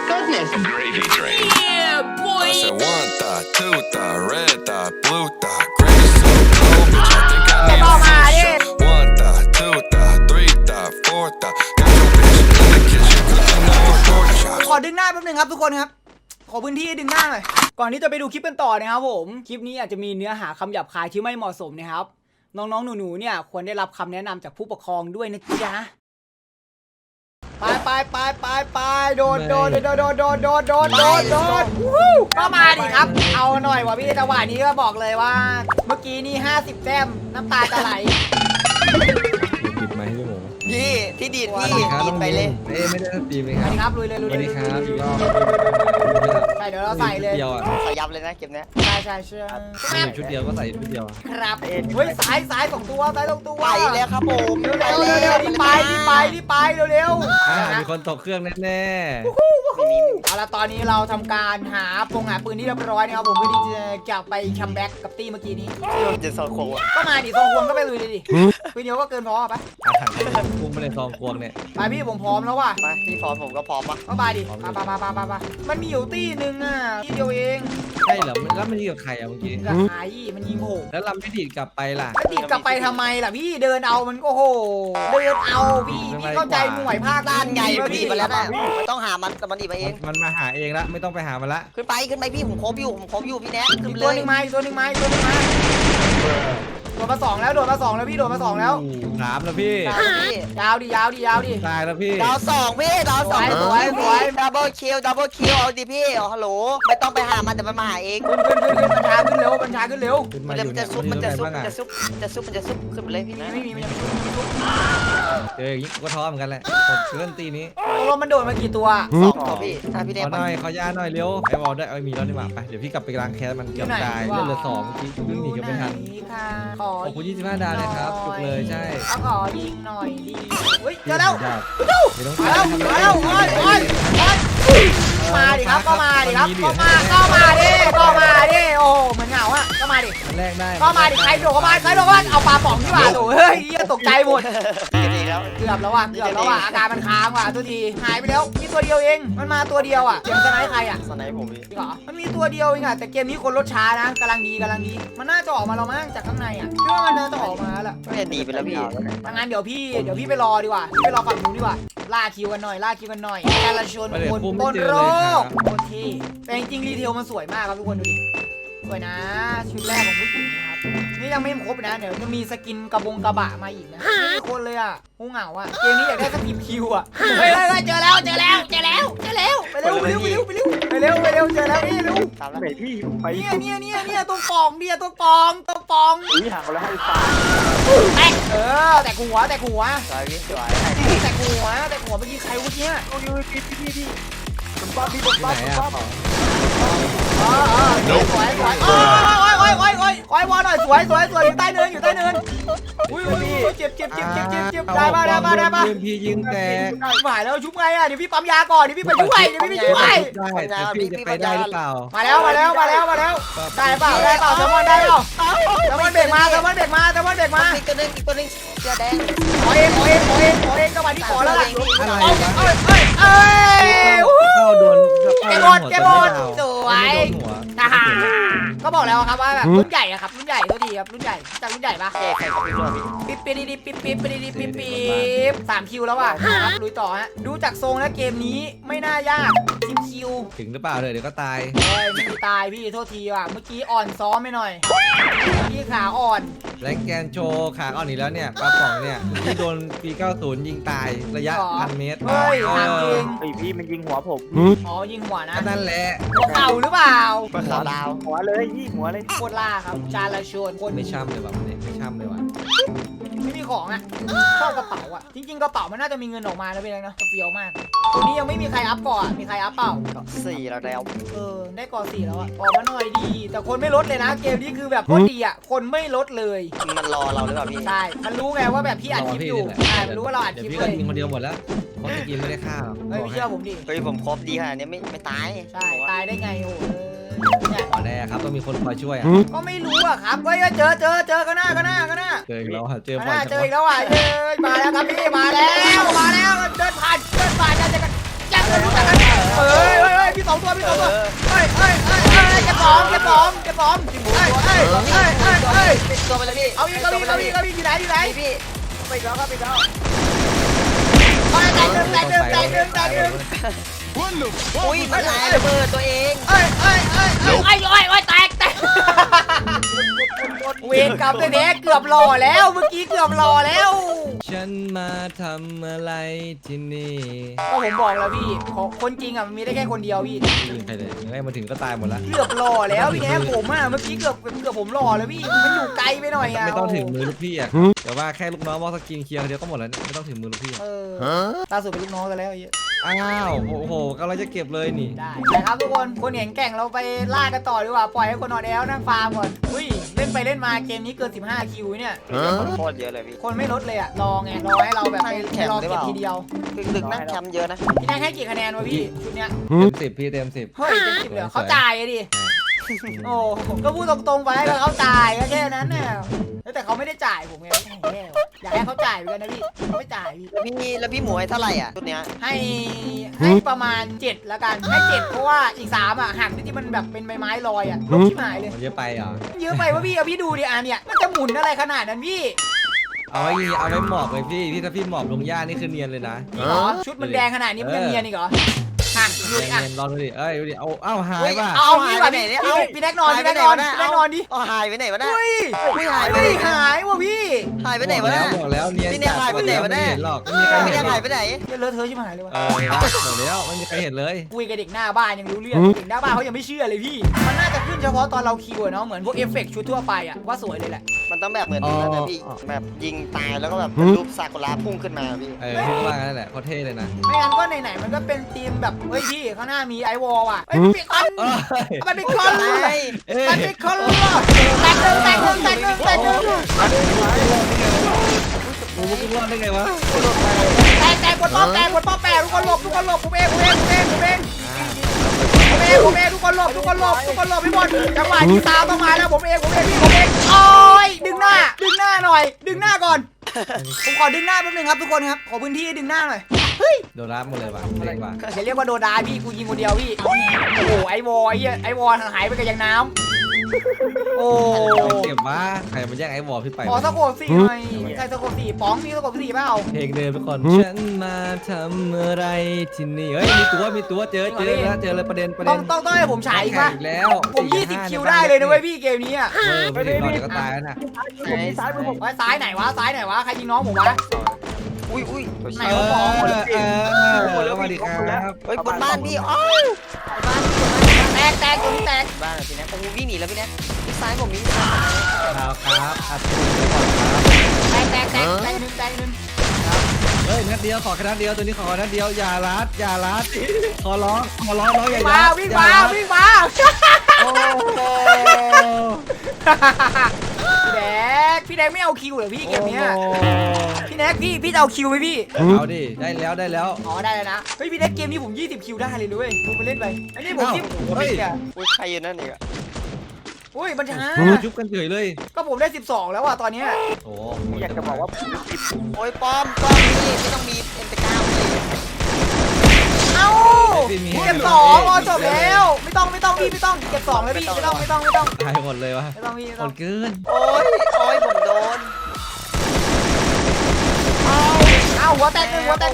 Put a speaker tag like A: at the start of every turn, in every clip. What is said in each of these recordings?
A: goodness.
B: Gravy train.
C: Yeah, boy.
D: I said one thought, two thought, red thought, blue thought, green is so cold, bitch. I think I need a full shot. One thought, two thought, three thought, four thought. Got your bitch in the kitchen cooking up a pork chop.
E: ขอดึงหน้าแป๊บนึงครับทุกคนครับขอพื้นที่ดึงหน้าหน่อยก่อนที่จะไปดูคลิปกันต่อนะครับผมคลิปนี้อาจจะมีเนื้อหาคำหยาบคายที่ไม่เหมาะสมนะครับน้องๆหนูๆเนี่ยควรได้รับคำแนะนำจากผู้ปกครองด้วยนะจ๊ะไปโดดก็มาดิครับเอาหน่อยวะพี่จังหวะนี้ก็บอกเลยว่าเมื่อกี้นี่50แต้มน้ำตาจะไหล
F: ปิดไมค์ให้พี่หมู
G: พี่ที่ดีดพี่
F: ครับ
G: ดีดไปเลย
F: ไม่ได้ตีไหม
E: ส
F: ค
E: วั
F: รับ
E: สดีครับลุยเลย
F: สวัสดีครับอีกรอบ
E: ใช่เดี๋ยวเราใส่เลย
F: เดียวอ่ะ
G: ใส่ยับเลยนะเกมเนี้ย
E: ใช่
F: มีอยู่ชุดเดียวก็ใส่ชุดเดียว
E: ครับเฮ้ยสาย2ตัวสาย2ตัว
G: ไปแล้วครับผม
E: เร็วรีบไปเร็ว
F: มีคนตกเครื่องแน่
E: เอาละตอนนี้เราทำการหาปืนที่เรียบร้อยนะครับผมเพื่อที่จะกลับไปคัมแบ็กกับตี้เมื่อกี้นี้
G: จะสอดโค้ง
E: ก็มาดิซองควงก็ไปลุยเลยดิปืนเดียวก็เกินพอไป
F: ๆอาหารพุ่งไปในซองควงเนี่ย
E: ไปพี่ผมพร้อมแล้วว่ะ
G: มาพี่พร้อมผมก็พร้อมปะ
E: ก็มาดิไปมันมีอยู่ตี้นึงอ่ะที่เดียวเอง
F: ใช่เหรอแล้วมันยิงกับใครอ่ะเมื่อกี้
E: กับไอ้มันยิงผม
F: แล้วเราไม่ดีดกลับไปล่ะ
E: ติดกลับไปทำไมล่ะพี่เดินเอามันก็โหเดินเอาพี่เข้าใจหน่วยภาค
G: ด้านไง
E: พี่
G: พี่มาแล้วนะมันต้องหามันแต่มันดีมาเอง
F: มันมาหาเองละไม่ต้องไปหามันละ
G: ขึ้นไปพี่ผมครบอยู่พี่แน็กขึ้น
E: อีก
G: เล
E: ตัวย หนึ่งมาโดดมา2แล้วพี่โดดมา2แล้ว
F: ถามแล้วพี่
E: ยาวดิ
F: ตายแล้วพี่
G: ดาวสองพี่ดาวสอง
E: สวย
G: ดับเบิลคิวเอาดิพี่ฮัลโหลไม่ต้องไปหามันแต่มันมาหาเอง
E: ขึ้นบัญชาขึ้นเร็ว
F: ขึ้น
G: มั
F: มาน อยู่
G: จะ
F: เนี่ย
G: ซุบมันจะซุบ
F: บ้างอ่ะ
G: ขึ้นไปเลยพี่
E: ไม่มีมันยัง
F: เจออย่างนี้ก็ท้อเหมือนกันแหละกดเคลื่อนตีนี้
E: ลมมันโดดมากี่ตัว
G: สองตัวพี่พี่แน็ก
F: ขอหน่อยขอย่าหน่อยเร็วไอ้บอลได้มีแล้วนี่หว่าไปเดี๋ยวพี่กลับไปล้างแค้นมันเกือบตายเลือดเหลือ2เมื่อกี้วิ่งหนีกันไม่ทัน
E: ขอ
F: ขอบคุณ25 ดาวนะครับจุกเลยใช่
E: ขอยิงหน่อยดีเฮ้ยเจอแล้ว
F: ไม่ต้อง
E: มาแล้วมาดิครับก็มาดิโอ้เหมือนเหงาอ่ะก็มาดิ
F: แรกได้
E: ก็มาดิใครโดดเข้ามาเอาปลาป๋องดีกว่าโถ่เฮ้ยตกใจหมด
G: ดีแล้ว
E: เกือบแล้วว่ะอาการมันค้างว่ะทุกทีหายไปแล้วมีตัวเดียวเองมันมาตัวเดียวอ่ะเกมสไนป์ใครอ่ะ
G: สไนป์ผมพี่
E: จริงเหรอมันมีตัวเดียวเองอ่ะแต่เกมนี้คนลดช้านะกำลังดีมันน่าจะออกมาแล้วมั้งจากข้างในอ่ะคิดว่ามันน่าจะออกมาแล้ว
G: ไม่ได้หนีไปแล้วพี่
E: ดังนั้นเดี๋ยวพี่ไปรอดีกว่าไปรอฝั่งนู้นดีกว่าล่าคิวกันหน่อยการละชนคนบนโรคโคตรที่แต่จริงๆรีเทลมันสวยมากครับทุกคนดูดิสวยนะชุดแรกของผู้หญิงนะครับนี่ยังไม่ครบนะเดี๋ยวจะมีสกินกระบะมาอีกนะไม่คนเลยอ่ะหูเหงาอ่ะเกมนี้อยากได้สกิปคิวอ่ะเฮ้ยเจอแล้วไปเร็วเจอแล้วนี่เร็ว
G: ตามแล้ว
A: ไหนพี่ไป
E: เนี่ยตัวปอง
A: นี่ห่างกันแล้วให้ตาย
E: แตกหัว
G: สวยพี่สวย
E: แตกหัวเมื่อกี้ใครวะเนี่ย
A: โอ้ยพี่ผมปั๊บพี่ผม
F: ที่ไหน
A: ปั๊บ
F: อ่ะ
E: สวยโอ้ยวอหน่อยสวยอยู่ใต้เนินอุ้ยเจ็บได้ป่ะ
F: พี่ยิงแตก
E: หายแล้วชุบไงอ่ะเดี๋ยวพี่ปั๊มยาก่อนเดี๋ยวพี่ไปช่วย
F: ได้แต่พี่จะไปได้หรือเปล่า
E: มาแล้วได้เปล่าแซลมอนได้เปล่าแซลมอนเบรกมา
G: อีกตัวนึงเสื้อแดง
E: ขอเองจังหวะที่ขอแล้วล่ะ
F: เข้าโดน
E: แกบอลสวยก็บอกแล้วครับว่าแบบรุ่นใหญ่อะครับรุ่นใหญ่ตัวดีครับรุ่นใหญ่จากรุ่นใหญ่ปะ
G: ใครเขาเป็นตัวพี่
E: ปิ๊บ3คิวแล้วอ่ะครับลุยต่อฮะดูจากทรงแล้วเกมนี้ไม่น่ายาก10คิว
F: ถึงหรือเปล่าเดี๋ยวก็ตาย
E: ไม่ตายพี่โทษทีว่ะเมื่อกี้อ่อนซ้อมไปหน่อยพี่ขาอ่อน
F: แรงแกนโชว์ขาอ่อนอีกแล้วเนี่ยปลาป่องเนี่ยที่โดนปี90ยิงตายระยะ1,000 เมตร
E: เฮ้ยถามจริง
A: ไอพี่มันยิงหัวผม
E: อ๋อยิงหัวนะ
F: นั่นแหละ
E: หัวเข่าหรือเปล่า
G: ขอดาว
A: หัวเลยพี่หัวเลย
E: โคตรล่าครับจาราชนคน
F: ไม่ช่ำเลยว่ะมันไม่ช่ำเลยว่ะ
E: ไม่มีของอ่ะชอบกระเป๋าอ่ะจริงๆกระเป๋ามันน่าจะมีเงินออกมานะพี่เล็กนะเฟี้ยวมากตัวนี้ยังไม่มีใครอัพก่อนมีใครอัพเปล่า
G: 4แล้ว
E: ได้ก่อ4แล้วอ่ะออกมาหน่อยดีแต่คนไม่ลดเลยนะเกมนี้คือแบบโคตรดีอ่ะคนไม่ลดเลย
G: มันรอเราหรือเปล่าพี่
E: ใช่มันรู้ไงว่าแบบพี่อัดคลิปอยู่ใช่มันรู้ว่าเราอัดคลิป
F: พี่
E: เล
F: ก็
E: ย
F: ยิงคนเดียวหมดแล้วเพราะตะกี้ไม่ได้ฆ่าหรอก
E: เฮ้ยไม่เชื่อผมดิ
G: เฮ้ยผมครบดีขนาดนี้ไม่ตาย
E: ใช่ตายได้ไงโอ้โหเนี่ย
F: อ๋อแน่ครับต้องมีคนคอยช่วยอ่ะ
E: ก็ไม่รู้อ่ะครับเฮ้ยเจอกันหน้า
F: เจออีกแล้วเจอ
E: ห
F: บ่อย
E: น้า
F: จัง
E: เจออีกแล้วอ่ะมาแล้วครับพี่มาแล้วเดินผ่านจะรู้จักกันเฮ้ยมี2 ตัวมี 2 ตัวเฮ้ยเก็บของเฮ้ย
G: ติดตัวไปเลยพี่
E: เอาอีกอยู่ไหน
G: พี่
A: ไปแล้วครับไปแล้ว
E: แตกหนึ่ง
G: อุ้ยมันหลายระเบิดตัวเอง
E: แตกเวรกรรมเลยเนี่ยเกือบหล่อแล้วเมื่อกี้เกือบหล่อแล้ว
F: ฉันมาทำอะไรที่นี่
E: ก็ผมบอกแล้วพี่ของคนจริงอ่ะมันมีได้แค่คนเดียวพี่
F: ยิงใครเลยยังไงมาถึงก็ตายหมดละ
E: เกือบหล่อแล้วพี่แอ๊ผมอ่ะเมื่อกี้เกือบผมหล่อแล้วพี่มันอยู่ไกลไปหน่อยอ่ะ
F: ไม่ต้องถึงมือลูกพี่อ่ะเดี๋ยวว่าแค่ลูกน้องมอสกินเคลียร์เดียวก็หมดแล้วไม่ต้องถึงมือลูกพี่
E: ล่าสุดเป็นลูกน้องกันแล้วไอ้เหี้ย
F: อ้าวโอ้โหกำลังจะเก็บเลยนี่
E: ได้นะครับทุกคนเห็นแก่งเราไปล่ากันต่อดีกว่าปล่อยให้คนนอนแอลนั่งฟาร์มก่อนอุ้ยเล่นไปเล่นมาเกมนี้เกิน15 คิวเนี่ย
G: โคตรเยอะเลยพี่
E: คนไม่ลดเลยอ่ะรอให้เราแบบไปรอเก็บทีเดียว
G: ดึกๆนั่งแคมป์เยอะนะ
E: พี่ได้ให้กี่คะแนนวะพี่ชุดเนี้ย
F: เต็ม 10พี่เต็ม 10
E: เฮ้ยเต็ม10เลยเขาจ่ายอะดิโอ้ก็พูดตรงๆไปก็เขาจ่ายก็แค่นั้นเนี่ยแต่เขาไม่ได้จ่ายผมไงแย่อยากให้เขาจ่ายเหมือนกันนะพี่เขาไม่จ่ายพี่
G: แล้วพี่หมวยเท่าไหร่อ่ะชุดเนี้ย
E: ให้ประมาณ7แล้วกันให้7เพราะว่าอีก3อ่ะหักที่มันแบบเป็นใบไม้ลอยอ่ะลบชิบหายเลย
F: มันเยอะไปเหรอ
E: เยอะไปวะพี่เอาพี่ดูดิอ่ะเนี่ยมันจะหมุนอะไรขนาดนั้นพี่
F: เอาไว้หมอบเลยพี่ถ้าพี่หมอบลงหญ้านี่คือเนียนเลยนะ
E: จริงเหรอชุดมันแดงขนาดนี้มันยังเนียนอีกเหรอหักดูดิอ่ะ
F: เนียนลองดูดิดูดิเอาหายป่ะ
E: เอาพี่ก่อนดิพี่แน็กนอนดิ
G: เอาหายไปไหนวะน่ะ
E: เฮ้ย
G: ไม่หายไป
E: ไม่
G: ไหน
E: ได้หายว่ะพี่
G: หายไปไหนวะน่ะ
F: บอกแล้วเนียน
G: พี่เนี่ยหายไปไหนวะเนี่ย
F: ไม่เห็นหรอกไม่มีใคร
G: ไม่
F: เห็
G: ได้
F: นหร
G: หา
F: อย ก
G: ไปไหน
E: เลอะเทอะชิบหายเลยวะ
F: บอกแล้วไม่มีใครเห็นเลย
E: คุยกับเด็กหน้าบ้านยังรู้เรื่องเด็กหน้าบ้านเขายังไม่เชื่อเลยพี่มันน่าจะขึ้นเฉพาะตอนเราคิวอะเนาะเหมือนพวกเอฟเฟกต์ชุดทั่วไปอะว่าสวยเลยแหละ
G: มันต้องแบบเหมือนนั้นนะพี่แบบยิงตายแล้วก็แบบเป็นรูปซากุระพุ่งขึ้นมาพี่
F: พี่ว่างั้นแหละเขาเท่เลยนะ
E: ไม่งั้นก็ไหนๆมันก็เป็นธีมแบบเฮ้ยพี่ข้างหน้ามีไอวอลว่ะเฮ้ยมันเป็นคอนมันเป็นคอนเลยมันเป็นคอนแตกหนึ่ง
F: กูมึงรอดได้ไงวะ
E: แตกบนป้อมแปะทุกคนหลบผมเองทุกคนหลบพี่บอลจังหวะนี้ตามต้องมาแล้วผมเองโอ้ยดึงหน้าหน่อยดึงหน้าก่อนผมขอดึงหน้าแป๊บนึงครับทุกคนครับขอพื้นที่ดึงหน้าหน่อยเฮ้ย
F: โดนรับหมดเลยว่ะเจ๋งว่ะ
E: อย่าเรียกว่าโดนดาพี่กูยิงคนเดียวพี่โอ้โหไอวอลหายไปกับยังน้ำโอ้
F: เก็บว่าใครมาแย่งไอ้วอลพี่ไป
E: ขอสะโกด4หน่อยใครสะโกด4ป๋องมีสะโกด4เปล่า
F: เพลงเดิมไปก่อนฉันมาทำอะไรที่นี่เฮ้ยมีตัวเจอเลยประเด็น
E: ต้องให้ผมฉายอีกป่ะ
F: อีกแล้ว
E: ผม20 คิวได้เลยนะเว้ยพี่เกมนี้อ่ะ
F: ไม่ได้รอเดี๋ยวก็ตายแล้วนะ
A: ซ้ายมือผม
E: ไว้ซ้ายไหนวะใครยิงน้องผมวะ
G: อุ้ย
E: ไหนวะป๋อง
F: สวัสดีครับ
G: เฮ้ยบนบ้านพี่อ้าว
E: แตกตัวนี้แตก
G: บ้านพี่แน็กผมวิ่งหนีแล้วพี่แน็กซ้ายผมมี
F: ครับอัดตัวไปก่อนครับ
E: แตกหนึ่ง
F: เฮ้ยนัดเดียวขอแค่นัดเดียวตัวนี้ขอนัดเดียวอย่าลัดขอร้องน้องอย่ายัด
E: วิ่งมา
F: โอ้โห
E: พี่แดกไม่เอาคิวเหรอพี่เกมนี้พี่แน็กพี่จะเอาคิวไหมพี่
F: เอาดิได้แล้ว
E: อ๋อได้แล้วนะเฮ้ยพี่แน็กเกมนี้ผม20 คิวได้เลยด้วยดูไปเล่นไปอันนี้ผม20
F: เฮ้ย
G: อุ้ยใครอยู่นั่นอีกอะ
E: อุ้ยมันช้า
F: จุบกันเฉยเลย
E: ก็ผมได้12แล้วอ่ะตอนเนี้ย
F: โอ้
A: อยากจะบอกว่า
G: โอ้ยป้อมพี่ไม่ต้องมีเอ็นตะก้าวพี่
E: เอ้าเก็บ2จบแล้วไม่ต้องพี่ไม่ต้องเก็บ2เลยพี่ไม่ต้อง
F: ตายหมดเลยวะ
E: ไม่ต้องพี่
F: หมดเกิน
G: โอ้ยผมโดน
E: เอาหัวแตกหนึ่ง
G: ไม่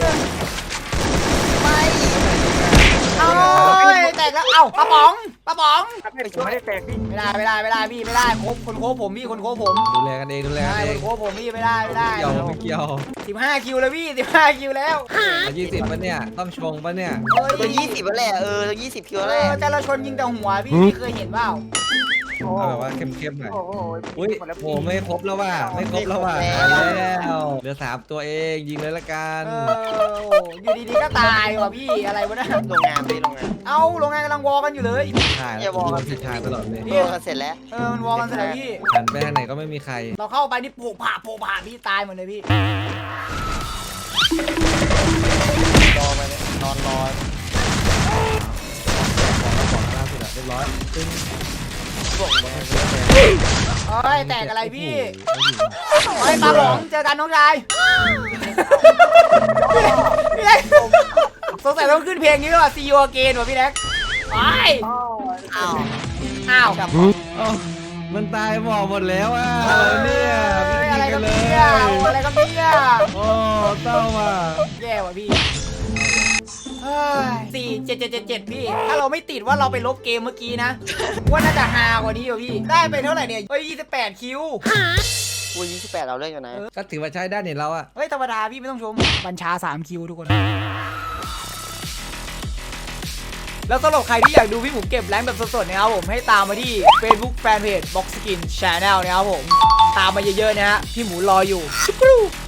E: เอาแตกแล้วเอ้าปะป๋อง
A: ไม่ได้แตกพี่
E: ไม่ได้พี่ไม่ได้คนโคผมพี่คนโคผม
F: ดูแลกันเอง
E: คนโคผมพี่ไม่ได้
F: ไม่เกี่ยว
E: 15 คิวแล้วพี่15 คิวแล้ว
F: 20ปะเนี่ยต้องชงปะเนี่ย
G: ตัว20แล้วแหละตัว20คิวแล้วแหละ
E: แต่เราชนยิงแต่หัวพี่เคยเห็นเปล่า
F: เอาแบบว่าเข้มๆหน่อย
A: โอ้โห
F: อุ้ยโหไม่ครบแล้วว่ะแล้วเหลือ3ตัวเองยิงเลยละกัน
E: อยู่ดีๆก็ตายว่ะพี่อะไรวะนะ
G: โรงงานพี่โรงงาน
E: เอ้าโรงงานกำลังวอกันอยู่เลย
F: ถ่าย
G: อย่าวอล
F: มันผิดทางตลอดเลย
G: โดนกันเสร็จแล้ว
E: มันวอกันเสร็จแล้วพี่
F: หันไปทางไหนก็ไม่มีใคร
E: เราเข้าไปนี่โผล่ผ่าพี่ตายหมดเลยพี่
G: รอไปเลยนอนรอ
F: ของล่าสุดอะเรียบร้อยตึ้ง
E: เฮ้ยแตกอะไรพี่เฮ้ยปลาหลงเจอกันน้องชายพี่เล็กสงสัยต้องขึ้นเพลงนี้ว่ะ See you again ว่ะพี่เล็กไป
A: อ้าว
G: อ้าว
E: อ้าว
F: อ๋อมันตายหมอกหมดแล้วอ่ะเนี่ย
E: อะไร
F: กั
E: กัน น
F: เล
E: เนี่ย ยอะไรกันเนี่ย
F: โอ้เศร้าว่ะ
E: แย่ว่ะพี่เฮ้ย47777พี่ถ้าเราไม่ติดว่าเราไปลบเกมเมื่อกี้นะว่าน่าจะฮากว่านี้อยู่พี่ได้ไปเท่าไหร่เนี่ยเฮ้ย28คิว
G: กู28เราเล่นกันนะ
F: ก็ถือว่าใช้ได้เนี่ยเราอ่ะ
E: เฮ้ยธรรมดาพี่ไม่ต้องชมบัญชา3คิวทุกคนแล้วสำหรับใครที่อยากดูพี่หมูเก็บแรงค์แบบสดๆนะครับผมให้ตามมาที่ Facebook Fanpage Box Skin Channel นะครับผมตามมาเยอะๆนะฮะพี่หมูรออยู่